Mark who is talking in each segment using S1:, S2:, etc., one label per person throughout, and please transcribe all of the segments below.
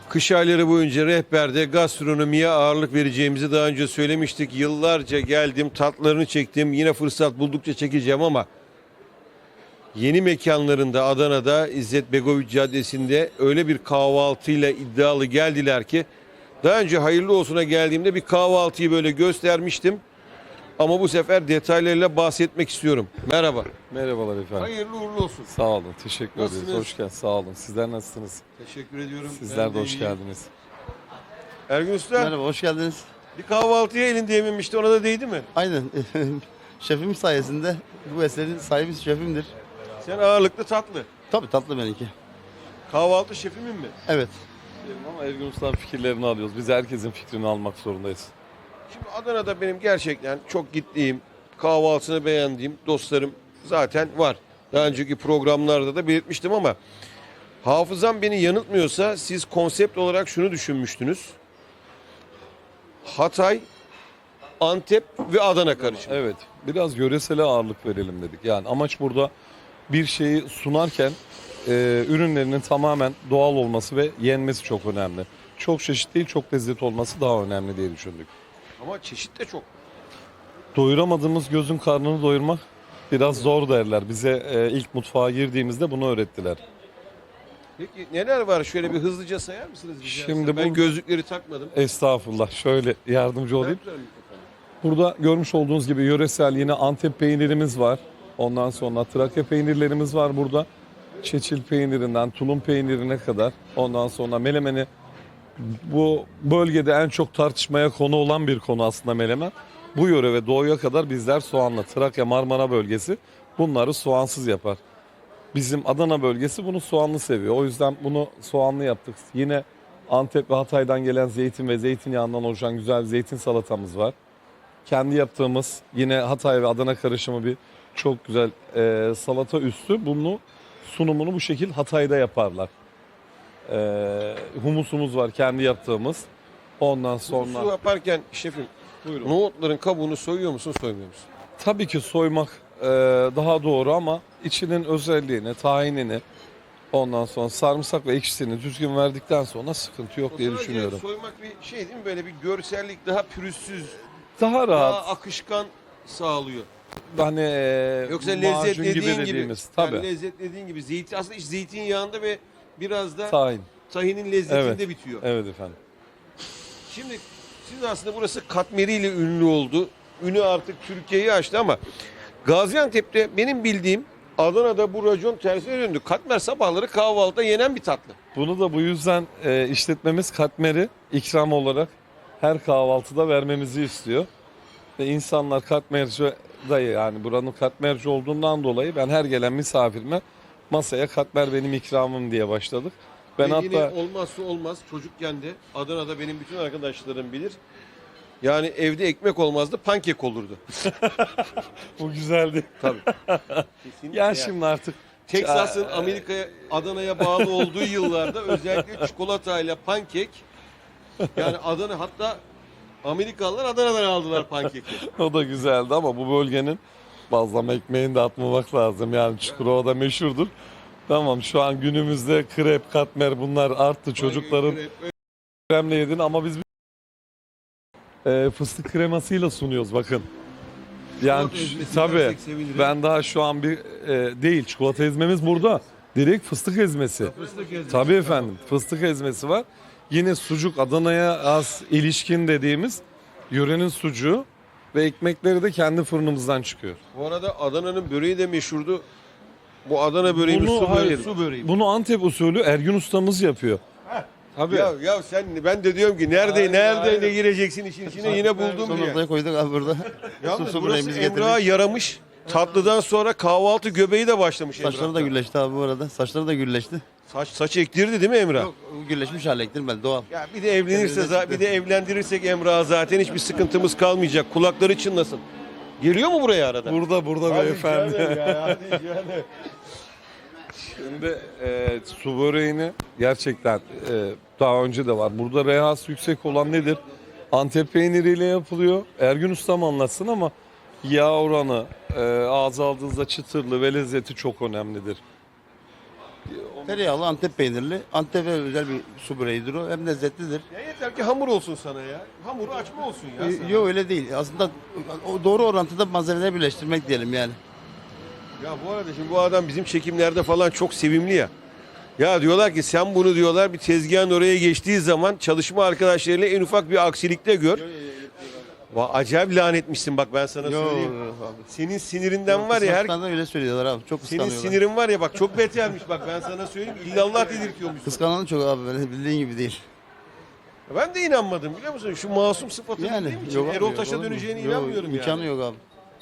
S1: Kış ayları boyunca rehberde gastronomiye ağırlık vereceğimizi daha önce söylemiştik. Yıllarca geldim, tatlarını çektim. Yine fırsat buldukça çekeceğim ama yeni mekanlarında Adana'da İzzet Begoviç Caddesi'nde öyle bir kahvaltıyla iddialı geldiler ki daha önce hayırlı olsuna geldiğimde bir kahvaltıyı böyle göstermiştim. Ama bu sefer detaylarıyla bahsetmek istiyorum. Merhaba.
S2: Merhabalar efendim.
S1: Hayırlı uğurlu olsun.
S2: Sağ olun. Teşekkür ederiz.
S1: Nasılsınız?
S2: Hoş geldiniz. Sağ olun. Sizler nasılsınız?
S1: Teşekkür ediyorum.
S2: Sizler
S1: Ben
S2: de hoş
S1: iyiyim.
S2: geldiniz.
S1: Ergün Usta,
S3: Merhaba, hoş geldiniz.
S1: bir kahvaltıya elinde yememişti, ona da değdi mi?
S3: Aynen. Şefim sayesinde bu eserin sahibi şefimdir.
S1: Sen ağırlıklı tatlı.
S3: Tabii tatlı benimki.
S1: Kahvaltı şefimin mi?
S3: Evet.
S2: Ama Ergün Usta'nın fikirlerini alıyoruz. Biz herkesin fikrini almak zorundayız.
S1: Şimdi Adana'da benim gerçekten çok gittiğim, kahvaltısını beğendiğim dostlarım zaten var. Daha önceki programlarda da belirtmiştim ama hafızam beni yanıltmıyorsa siz konsept olarak şunu düşünmüştünüz. Hatay, Antep ve Adana karışımı.
S2: Evet. Biraz yöresele ağırlık verelim dedik. Yani amaç burada bir şeyi sunarken ürünlerinin tamamen doğal olması ve yenmesi çok önemli. Çok çeşit değil, çok lezzetli olması daha önemli diye düşündük.
S1: Ama çeşit de çok.
S2: Doyuramadığımız gözün karnını doyurmak biraz zor derler. Bize ilk mutfağa girdiğimizde bunu öğrettiler.
S1: Peki neler var? Şöyle bir hızlıca sayar mısınız? rica
S2: Şimdi
S1: etsem? Ben
S2: bu-
S1: gözlükleri takmadım.
S2: Estağfurullah. Şöyle yardımcı olayım.
S1: Taktılar mikrofonu.
S2: Burada görmüş olduğunuz gibi yöresel yine Antep peynirimiz var. Ondan sonra Trakya peynirlerimiz var burada. Çeçil peynirinden tulum peynirine kadar. Ondan sonra melemeni, bu bölgede en çok tartışmaya konu olan bir konu aslında melemen. Bu yöre ve doğuya kadar bizler soğanla, Trakya Marmara bölgesi bunları soğansız yapar. Bizim Adana bölgesi bunu soğanlı seviyor. O yüzden bunu soğanlı yaptık. Yine Antep ve Hatay'dan gelen zeytin ve zeytinyağından oluşan güzel bir zeytin salatamız var. Kendi yaptığımız yine Hatay ve Adana karışımı bir çok güzel salata üstü. Bunu sunumunu bu şekil Hatay'da yaparlar. Humusumuz var kendi yaptığımız. Ondan
S1: Su
S2: sonra
S1: yaparken şefim,
S2: buyurun.
S1: nohutların kabuğunu soyuyor musun, soymuyor musun?
S2: Tabii ki soymak daha doğru ama içinin özelliğini, tahinini, ondan sonra sarımsak ve ekşisini düzgün verdikten sonra sıkıntı yok diye
S1: O sadece
S2: düşünüyorum.
S1: soymak bir şey değil mi? Böyle bir görsellik, daha pürüzsüz,
S2: Daha
S1: daha
S2: rahat,
S1: akışkan sağlıyor.
S2: hani
S1: Yoksa
S2: macun
S1: lezzetlediğin gibi,
S2: dediğimiz.
S1: yani
S2: Tabii.
S1: lezzetlediğin gibi zeytin, aslında iş zeytinyağında ve biraz da
S2: Tahin.
S1: tahinin lezzetinde
S2: Evet.
S1: bitiyor.
S2: Evet efendim.
S1: Şimdi siz aslında burası katmeriyle ünlü oldu. Ünü artık Türkiye'yi aştı ama Gaziantep'te benim bildiğim Adana'da bu racon tersine döndü. Katmer sabahları kahvaltıda yenen bir tatlı.
S2: Bunu da bu yüzden işletmemiz katmeri ikram olarak her kahvaltıda vermemizi istiyor. Ve insanlar katmerci dayı, yani buranın katmerci olduğundan dolayı ben her gelen misafirime masaya katmer benim ikramım diye başladık. Ben
S1: Ve yine
S2: hatta
S1: olmazsa olmaz çocukken de Adana'da benim bütün arkadaşlarım bilir. Yani evde ekmek olmazdı, pankek olurdu.
S2: bu güzeldi.
S1: Tabii. Kesinlikle.
S2: Ya şimdi artık
S1: Teksas'ın Amerika'ya, Adana'ya bağlı olduğu yıllarda özellikle çikolatayla pankek, yani Adana, hatta Amerikalılar Adana'dan aldılar pankeki.
S2: o da güzeldi ama bu bölgenin bazlama ekmeğini de atmamak lazım. Yani Çukurova'da meşhurdur. Tamam, şu an günümüzde krep, katmer bunlar arttı. Çocukların kremle yedin ama biz fıstık kremasıyla sunuyoruz bakın. Yani
S1: Çikolata ezmesi
S2: tabii
S1: dersek sevinirim.
S2: ben daha şu an bir değil, çikolata ezmemiz burada. Direkt fıstık ezmesi.
S1: Fıstık ezmesi.
S2: Tabii efendim, fıstık ezmesi var. Yine sucuk, Adana'ya az ilişkin dediğimiz yörenin sucuğu ve ekmekleri de kendi fırınımızdan çıkıyor.
S1: Bu arada Adana'nın böreği de meşhurdu. Bu Adana böreği mi,
S2: Bunu-
S1: su böreği,
S2: hayır.
S1: su böreği mi?
S2: Bunu Antep usulü Ergün ustamız yapıyor. Tabii.
S1: Ya sen, ben de diyorum ki nerede gireceksin işin içine, yine buldum
S3: Son
S1: diye.
S3: noktaya koyduk abi burada.
S1: Yalnız
S3: Su
S1: burası
S3: böreğimizi
S1: Emrah'a
S3: getirdik.
S1: yaramış. Tatlıdan sonra kahvaltı göbeği de başlamış
S3: Saçları da
S1: Emrah'ta.
S3: gülleşti abi bu arada. Saçları da gülleşti.
S1: Saç ektirdi değil mi Emrah?
S3: Yok, gülleşmiş hale ektirmedi doğal.
S1: Ya bir de evlenirse,
S3: Kendine çıktı.
S1: bir de evlendirirsek Emrah'a zaten hiçbir sıkıntımız kalmayacak. Kulakları çınlasın. Geliyor mu buraya arada?
S2: Burada
S1: Hadi
S2: beyefendi.
S1: canım ya, hadi canım.
S2: Şimdi su böreğini gerçekten daha önce de var. Burada rehası yüksek olan nedir? Antep peyniriyle yapılıyor. Ergün ustam anlatsın ama yağ oranı ağza aldığınızda çıtırlı ve lezzeti çok önemlidir.
S3: Tereyağlı Antep peynirli. Antep'e özel bir su böreğidir o. Hem lezzetlidir.
S1: Ya yeter ki hamur olsun sana ya. Hamuru açma olsun ya sana.
S3: Yok öyle değil. Aslında o doğru orantıda malzemeleri birleştirmek diyelim yani.
S1: Ya bu arada şimdi bu adam bizim çekimlerde falan çok sevimli ya. Ya diyorlar ki sen bunu diyorlar bir tezgahın oraya geçtiği zaman çalışma arkadaşlarıyla en ufak bir aksilikte gör. Acayip lanetmişsin bak ben sana söyleyeyim.
S3: Abi.
S1: Senin sinirinden var ya her
S3: Kıskançlardan öyle söylüyorlar abi. Çok
S1: senin
S3: kıskanıyorlar.
S1: sinirin var ya bak çok betermiş bak ben sana söyleyeyim. İllallah dedirtiyormuş.
S3: Kıskanan çok abi. Böyle bildiğin gibi değil.
S1: Ben de inanmadım biliyor musun? Şu masum sıfatını
S3: Yani
S1: bildiğim için
S3: yok abi,
S1: Erol
S3: yok,
S1: Taş'a
S3: olur mu?
S1: döneceğine
S3: Yok,
S1: inanmıyorum
S3: imkanı
S1: yani.
S3: yok abi.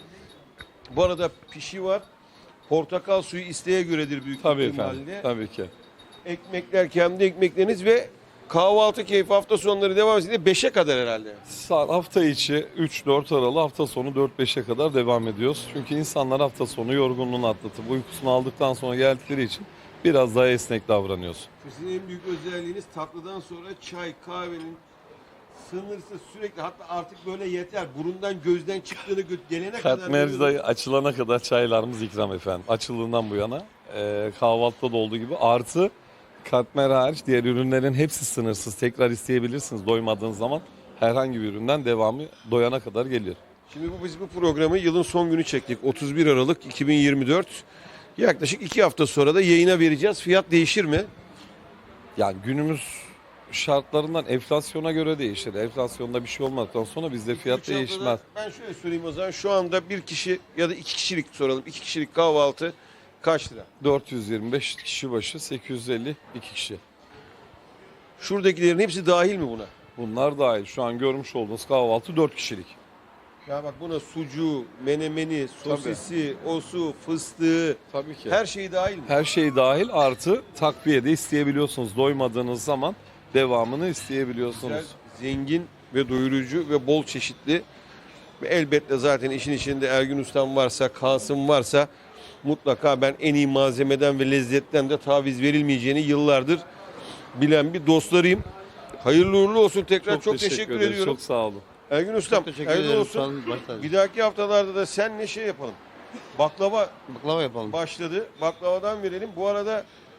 S1: Bu arada pişi var. Portakal suyu isteğe göredir büyük
S2: Tabii
S1: ihtimalle.
S2: efendim. Tabii ki.
S1: Ekmekler kendi ekmekleriniz ve kahvaltı keyfi hafta sonları devam etsin 5'e kadar herhalde.
S2: Hafta içi 3-4 aralı, hafta sonu 4-5'e kadar devam ediyoruz. Çünkü insanlar hafta sonu yorgunluğunu atlatıp uykusunu aldıktan sonra geldikleri için biraz daha esnek davranıyoruz.
S1: Sizin en büyük özelliğiniz tatlıdan sonra çay, kahvenin sınırsız sürekli hatta artık böyle yeter. Burundan gözden çıktığını gelene kadar.
S2: Katmerci açılana kadar çaylarımız ikram efendim. Açıldığından bu yana kahvaltıda da olduğu gibi artı katmer hariç diğer ürünlerin hepsi sınırsız. Tekrar isteyebilirsiniz doymadığınız zaman. Herhangi bir üründen devamı doyana kadar geliyor.
S1: Şimdi biz bu programı yılın son günü çektik. 31 Aralık 2024. Yaklaşık 2 hafta sonra da yayına vereceğiz. Fiyat değişir mi?
S2: Yani günümüz şartlarından enflasyona göre değişir. Enflasyonda bir şey olmadıktan sonra bizde fiyat
S1: Üç haftada-
S2: değişmez.
S1: Ben şöyle söyleyeyim o zaman. Şu anda bir kişi ya da 2 kişilik soralım. 2 kişilik kahvaltı kaç lira?
S2: 425 kişi başı 850 2 kişi.
S1: Şuradakilerin hepsi dahil mi buna?
S2: Bunlar dahil. Şu an görmüş olduğunuz kahvaltı 4 kişilik.
S1: Ya bak buna sucuğu, menemeni, sosisi, osu, fıstığı
S2: Tabii ki.
S1: her şeyi dahil mi?
S2: Her şey dahil artı takviye de isteyebiliyorsunuz. Doymadığınız zaman devamını isteyebiliyorsunuz.
S1: Güzel, zengin ve doyurucu ve bol çeşitli. Ve elbette zaten işin içinde Ergün Ustam varsa, Kasım varsa mutlaka ben en iyi malzemeden ve lezzetten de taviz verilmeyeceğini yıllardır bilen bir dostlarıyım. Hayırlı uğurlu olsun tekrar çok teşekkür
S2: ederiz.
S1: ediyorum.
S2: Çok sağ olun.
S1: Ergün Ustam
S3: Çok teşekkür
S1: hayırlı
S3: ederim. Sağ
S1: olsun.
S3: olun. Baş tacı.
S1: Bir dahaki haftalarda da senle şey yapalım. Baklava
S3: Baklava yapalım.
S1: başladı. Baklavadan verelim. Bu arada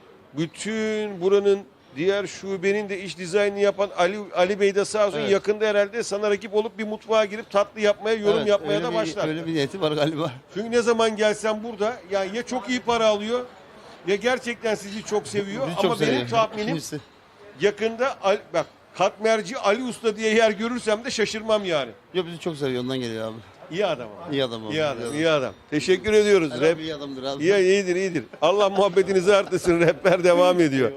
S1: bütün buranın diğer şubenin de iş dizaynını yapan Ali Bey de sağ olsun
S3: Evet.
S1: yakında herhalde sana rakip olup bir mutfağa girip tatlı yapmaya, yorum
S3: Evet,
S1: yapmaya
S3: öyle
S1: da başlar.
S3: Öyle bir niyeti var galiba.
S1: Çünkü ne zaman gelsen burada yani ya çok iyi para alıyor ya gerçekten sizi çok seviyor
S3: Bizi
S1: ama
S3: çok
S1: benim
S3: seviyor.
S1: tahminim
S3: İkincisi.
S1: yakında bak katmerci Ali Usta diye yer görürsem de şaşırmam yani.
S3: Yok bizi çok seviyor ondan geliyor abi.
S1: İyi adam ama.
S3: İyi adam abi.
S1: İyi adam, iyi adam. Teşekkür ediyoruz.
S3: Ali abi iyi adamdır abi.
S1: İyidir, iyidir. Allah muhabbetinizi artırsın. Rehber devam ediyor.